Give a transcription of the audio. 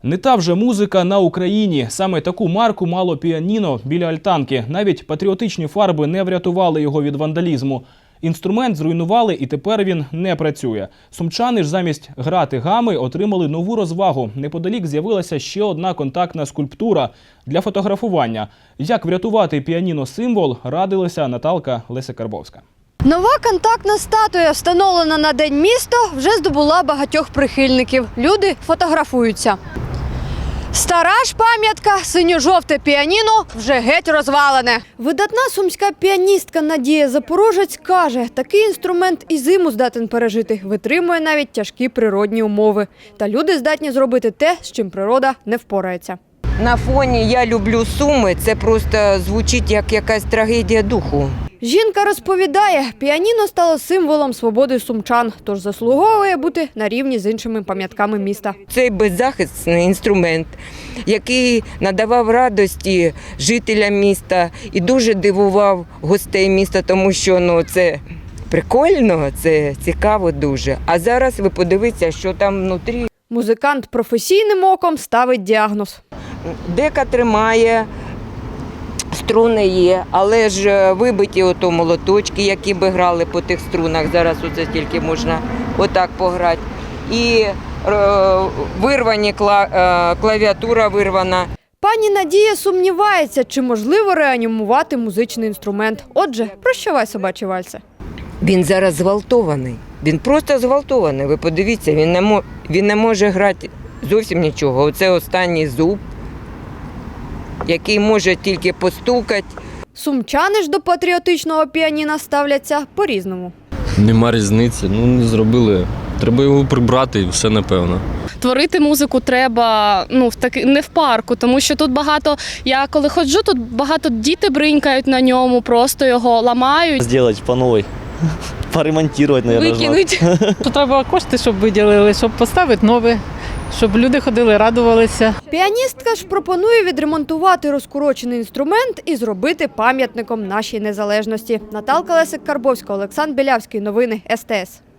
Не та вже музика на Україні. Саме таку марку мало піаніно біля альтанки. Навіть патріотичні фарби не врятували його від вандалізму. Інструмент зруйнували і тепер він не працює. Сумчани ж замість грати гами отримали нову розвагу. Неподалік з'явилася ще одна контактна скульптура для фотографування. Як врятувати піаніно-символ, радилася Наталка Леся-Карбовська. Нова контактна статуя, встановлена на День міста, вже здобула багатьох прихильників. Люди фотографуються. Стара ж пам'ятка, синьо-жовте піаніно, вже геть розвалене. Видатна сумська піаністка Надія Запорожець каже, такий інструмент і зиму здатен пережити, витримує навіть тяжкі природні умови. Та люди здатні зробити те, з чим природа не впорається. На фоні «Я люблю Суми» це просто звучить як якась трагедія духу. Жінка розповідає, піаніно стало символом свободи сумчан, тож заслуговує бути на рівні з іншими пам'ятками міста. Цей беззахисний інструмент, який надавав радості жителям міста і дуже дивував гостей міста, тому що це прикольно, це цікаво дуже. А зараз ви подивіться, що там внутрі. Музикант професійним оком ставить діагноз. Дека тримає, струни є, але ж вибиті ото молоточки, які би грали по тих струнах. Зараз оце тільки можна отак пограти. І вирвані клавіатура вирвана. Пані Надія сумнівається, чи можливо реанімувати музичний інструмент. Отже, прощавай, собачі вальси. Він зараз зґвалтований. Він просто зґвалтований. Ви подивіться, він не може грати зовсім нічого. Оце останній зуб, який може тільки постукати. Сумчани ж до патріотичного піаніна ставляться по-різному. Нема різниці, не зробили. Треба його прибрати і все, напевно. Творити музику треба не в парку, тому що тут багато, я коли ходжу, тут багато діти бринькають на ньому, просто його ламають. Зробити по новій, поремонтувати, мабуть. Викинуть. Треба кошти, щоб виділили, щоб поставити нове, щоб люди ходили, радувалися. Піаністка ж пропонує відремонтувати розкурочений інструмент і зробити пам'ятником нашій незалежності. Наталка Леся-Карбовська, Олександр Білявський. Новини СТС.